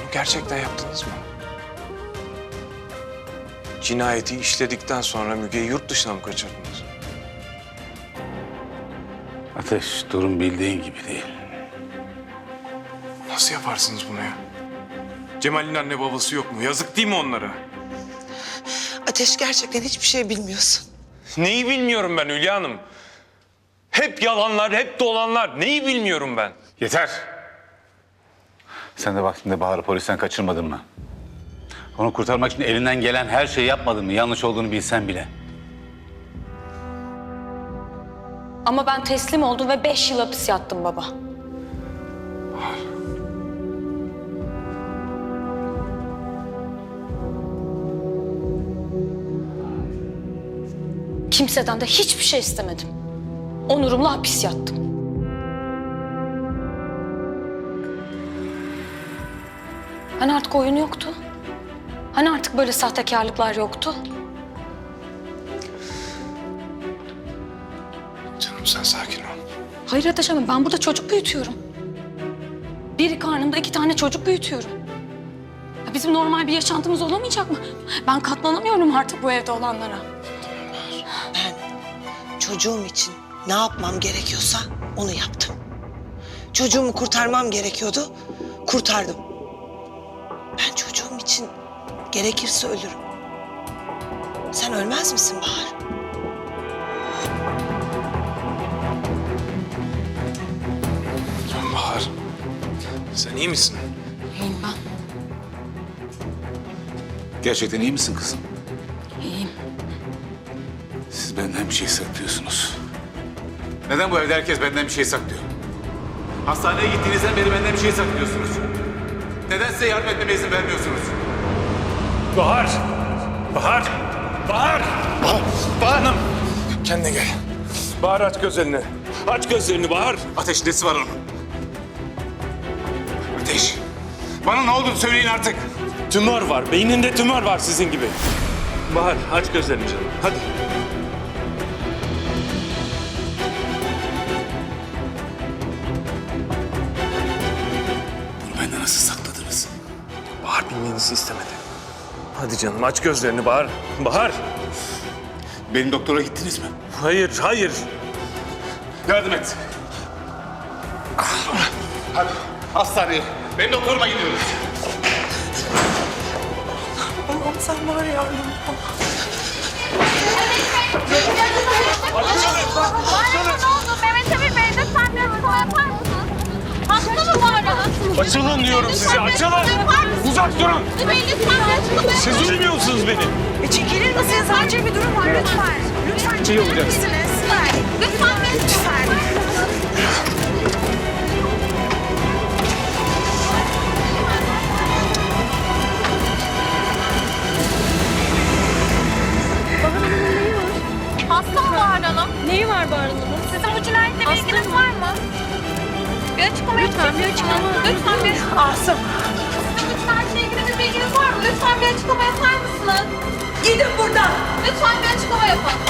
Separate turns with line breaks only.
gerçekten yaptınız mı? Cinayeti işledikten sonra Müge'yi yurt dışına mı kaçırdınız?
Ateş, durum bildiğin gibi değil.
Nasıl yaparsınız bunu ya? Cemal'in anne babası yok mu? Yazık değil mi onlara?
Ateş, gerçekten hiçbir şey bilmiyorsun.
Neyi bilmiyorum ben Hülya Hanım? Hep yalanlar, hep dolanlar. Neyi bilmiyorum ben?
Yeter! Sen de vaktinde Bahar'ı polisten kaçırmadın mı? Onu kurtarmak için elinden gelen her şeyi yapmadın mı? Yanlış olduğunu bilsen bile.
Ama ben teslim oldum ve 5 yıl hapis yattım baba. Kimseden de hiçbir şey istemedim. Onurumla hapis yattım. Hani artık oyun yoktu? Hani artık böyle sahtekarlıklar yoktu?
Canım sen sakin ol.
Hayır Ateş Hanım, ben burada çocuk büyütüyorum. Biri karnımda 2 tane çocuk büyütüyorum. Ya bizim normal bir yaşantımız olamayacak mı? Ben katlanamıyorum artık bu evde olanlara.
Ben çocuğum için ne yapmam gerekiyorsa onu yaptım. Çocuğumu kurtarmam gerekiyordu, kurtardım. Ben çocuğum için gerekirse ölürüm. Sen ölmez misin Bahar?
Bahar, sen iyi misin?
İyiyim ben,
Gerçekten iyi misin kızım?
iyiyim.
Siz benden bir şey saklıyorsunuz. Neden bu evde herkes benden bir şey saklıyor? Hastaneye gittiğinizden beri benden bir şey saklıyorsunuz. Neden size yardım etmeme izin vermiyorsunuz?
Bahar! Bahar! Bahar! Bahar Hanım! Kendine gel. Bahar aç gözlerini. Aç gözlerini Bahar.
Ateş, nesi var onun? Ateş, bana ne olduğunu söyleyin artık.
Tümör var. Beyninde tümör var sizin gibi. Bahar aç gözlerini canım. Hadi.
Bunu benden nasıl sakladınız?
Bahar bilmenizi istemedi. Hadi canım aç gözlerini Bahar. Bahar!
Benim doktora gittiniz mi?
Hayır, hayır.
Yardım et. Hadi hastaneye. Benim doktoruma gidiyoruz.
Allah'ım sen var ya.
Ne oldu? Mehmet Emin Bey lütfen bir açıklama yapar mısınız? Hasta mı var ya?
Açılın diyorum size, açılın! Uzak durun!
Bey lütfen bir açıklama yapar
Siz duymuyor musunuz beni?
Çekilir misiniz? Acil bir durum var lütfen. Lütfen çekilir misiniz?
Lütfen bir
Lütfen.
Hasta mı Bahar Hanım?
Neyi var Bahar Hanım'ın?
Sizin bu cinayetle bir ilginiz var mı? Bir açıklama
Lütfen bir açıklama.
Lütfen bir açıklama.
Asım.
Sizin bu cinayetle ilgili bir bilginiz var mı? Lütfen bir açıklama yapar mısınız?
Gidin buradan.
Lütfen bir açıklama yapın.